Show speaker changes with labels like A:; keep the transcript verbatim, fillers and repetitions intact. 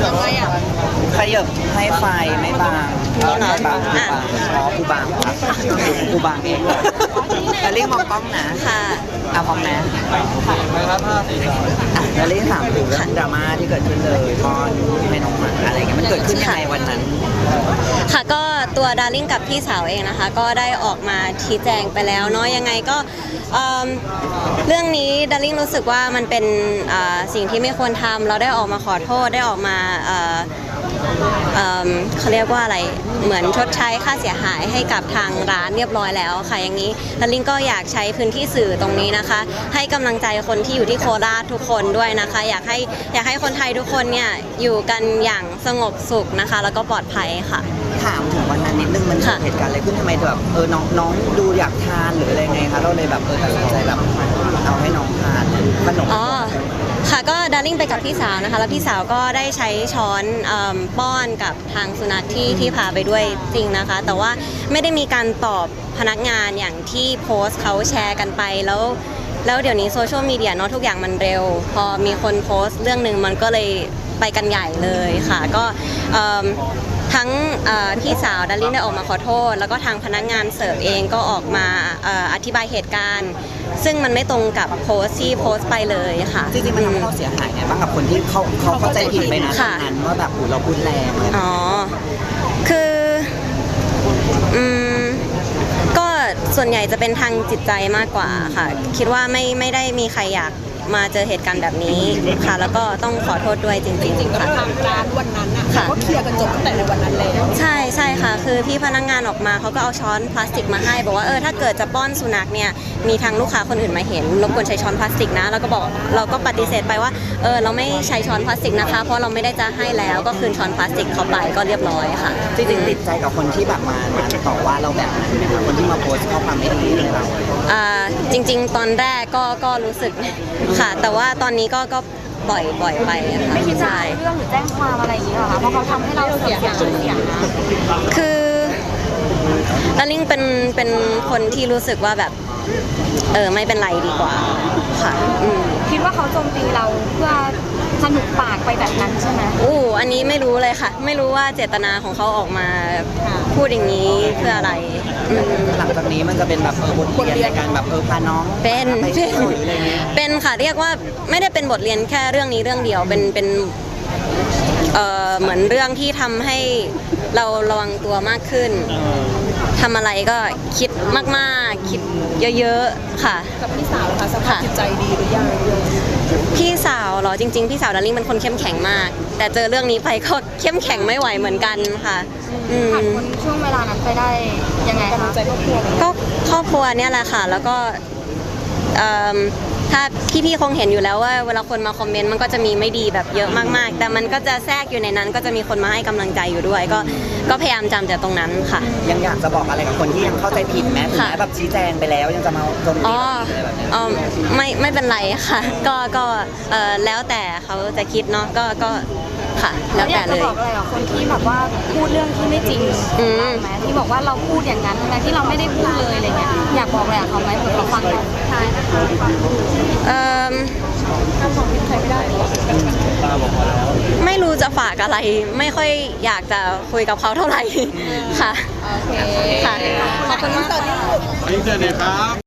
A: ทำไมอ่ะขยับให้ไฟไม่บางไม่บางไม่บางอ๋อกูบางครับกูบางเองแล้วเรียกมองกล้องนะ
B: ค่ะ
A: อ่ะพร้อมนะแล้วเรียกถามถึงเรื่องดราม่าที่เกิดขึ้นเลยตอนให้น้องหมาอะไรเงี้ยมันเกิดขึ้นยังไงวันนั้น
B: ค่ะก็ตัวดาริ่งกับพี่สาวเองนะคะก็ได้ออกมาชี้แจงไปแล้วเนาะยังไงก็เรื่องนี้ดาริ่งรู้สึกว่ามันเป็นสิ่งที่ไม่ควรทำเราได้ออกมาขอโทษได้ออกมาเขาเรียกว่าอะไรเหมือนชดใช้ค่าเสียหายให้กับทางร้านเรียบร้อยแล้วค่ะอย่างนี้ดาริ่งก็อยากใช้พื้นที่สื่อตรงนี้นะคะให้กำลังใจคนที่อยู่ที่โคราชทุกคนด้วยนะคะอยากให้อยากให้คนไทยทุกคนเนี่ยอยู่กันอย่างสงบสุขนะคะแล้วก็ปลอดภัยค่ะ
A: ถามถึงวันนั้นนิดนึงมันเกิดเหตุการณ์อะไรขึ้นทำไมแบบเออน้องน้องดูอยากทานหรืออะไรไงคะเราเลยแบบเออตัดสินใจแบบเอาให้น้องทานขนม
B: อ๋อค่ะก็ดาริ่งไปกับพี่สาวนะคะแล้วพี่สาวก็ได้ใช้ช้อนป้อนกับทางสุนัขที่ที่พาไปด้วยจริงนะคะแต่ว่าไม่ได้มีการตอบพนักงานอย่างที่โพสต์เขาแชร์กันไปแล้วแล้วเดี๋ยวนี้โซเชียลมีเดียเนาะทุกอย่างมันเร็วพอมีคนโพสต์เรื่องหนึ่งมันก็เลยไปกันใหญ่เลยค่ะก็ทั้งพี่สาวดาริ่งได้ออกมาขอโทษแล้วก็ทางพนักงานเสิร์ฟเองก็ออกมาอธิบายเหตุการณ์ซึ่งมันไม่ตรงกับโพสต์ที่โพสต์ไปเลยค่ะ
A: จริงๆมันทำให้เราเสียหายไงบ้างกับคนที่เขาเขาเข้าใจผิดไปนะตอนนั้นว่าแบบเราพูดแรงเลย
B: อ๋อคืออืมก็ส่วนใหญ่จะเป็นทางจิตใจมากกว่าค่ะคิดว่าไม่ไม่ได้มีใครอยากมาเจอเหตุการณ์แบบนี้ค่ะแล้วก็ต้องขอโทษด้วยจริงๆค่ะ
C: ทางร้านวันนั้นอ่ะก็เคลียร์กันจบตั้งแต่ในวันนั้นเลย
B: ใช่ใช่ค่ะคือพี่พนักงานออกมาเขาก็เอาช้อนพลาสติกมาให้บอกว่าเออถ้าเกิดจะป้อนสุนัขเนี่ยมีทางลูกค้าคนอื่นมาเห็นรบกวนใช้ช้อนพลาสติกนะแล้วก็บอกเราก็ปฏิเสธไปว่าเออเราไม่ใช้ช้อนพลาสติกนะคะเพราะเราไม่ได้จะให้แล้วก็คืนช้อนพลาสติกเข้าไปก็เรียบร้อยค่ะ
A: จริงๆติดใจกับคนที่แบบมามาต่อว่าเราแบบคนที่มาโพสต์ข้อความไม่ดีเลยเรา
B: อ่าจริงๆตอนแรกก็ก็รู้สึกค่ะแต่ว่าตอนนี้ก็ก็ปล่อยปล่อยไปค่ะ
D: ไม่คิดจะเอาเรื่องหรือแจ้งความอะไรอย่างนี้หรอคะเพราะเขาทำให้เราเสียชื่อเสียงนะ
B: คือดาริ่งเป็นเป็นคนที่รู้สึกว่าแบบเออไม่เป็นไรดีกว่าค่ะ
D: คิดว่าเขาโจมตีเราเพื่อสนุกปากไปแบบนั้นใช่ไหม
B: อู้อันนี้ไม่รู้เลยค่ะไม่รู้ว่าเจตนาของเขาออกมาพูดอย่างนี้เพื่ออะไร
A: หลังจากนี้มันจะเป็นแบบเออบทเรียนในการแบบเออพาน้อง
B: เป็นเป็นเป็นค่ะเรียกว่าไม่ได้เป็นบทเรียนแค่เรื่องนี้เรื่องเดียวเป็นเป็นเอ่อเหมือนเรื่องที่ทำให้เราระวังตัวมากขึ้นทำอะไรก็คิดมากๆคิดเยอะๆค่ะ
C: กับพี่สาวค่ะสภาพจิตใจดีหรือยัง
B: พี่สาวเหรอจริงๆพี่สาวดาริ่งเป็นคนเข้มแข็งมากแต่เจอเรื่องนี้ไปก็เข้มแข็งไม่ไหวเหมือนกันค่ะ
D: ผ่านพ้นช่วงเวลานั้นไปได้ยังไงคะ
C: ใจครอบครัว
B: ก็ครอบครัวเนี่ยแหละค่ะแล้วก็ถ้าพี่ๆคงเห็นอยู่แล้วว่าเวลาคนมาคอมเมนต์มันก็จะมีไม่ดีแบบเยอะมากๆแต่มันก็จะแทรกอยู่ในนั้นก็จะมีคนมาให้กำลังใจอยู่ด้วยก็ก็พยายามจำจากตรงนั้นค่ะ
A: ยังอยากจะบอกอะไรกับคนที่ยังเข้าใจผิดไหมถึงแม้แบบชี้แจงไปแล้วยังจะมาโจมตีอะไรแบบนี้
B: อ๋อไม่ไม่เป็นไรค่ะก็ก็เออแล้วแต่เขาจะคิดเนาะก็ก็ค่ะแล้วแต่เลย
D: อยากจะบอกอะไรกับคนที่แบบว่าพูดเรื่องที่ไม่จริงไหมที่บอกว่าเราพูดอย่างนั้นทั้งที่เราไม่ได้พูดเลยอะไรเงี้ยอยากบอกอะไรกับเขาไหมเผื่อเขาฟังเราใช่
B: เอ่อไม่รู้จะฝากอะไรไม่ค่อยอยากจะคุยกับเขาเท่าไหร่ค่ะ
C: โอเค
B: ค่ะขอบคุณมาก
C: สวัสดีครับ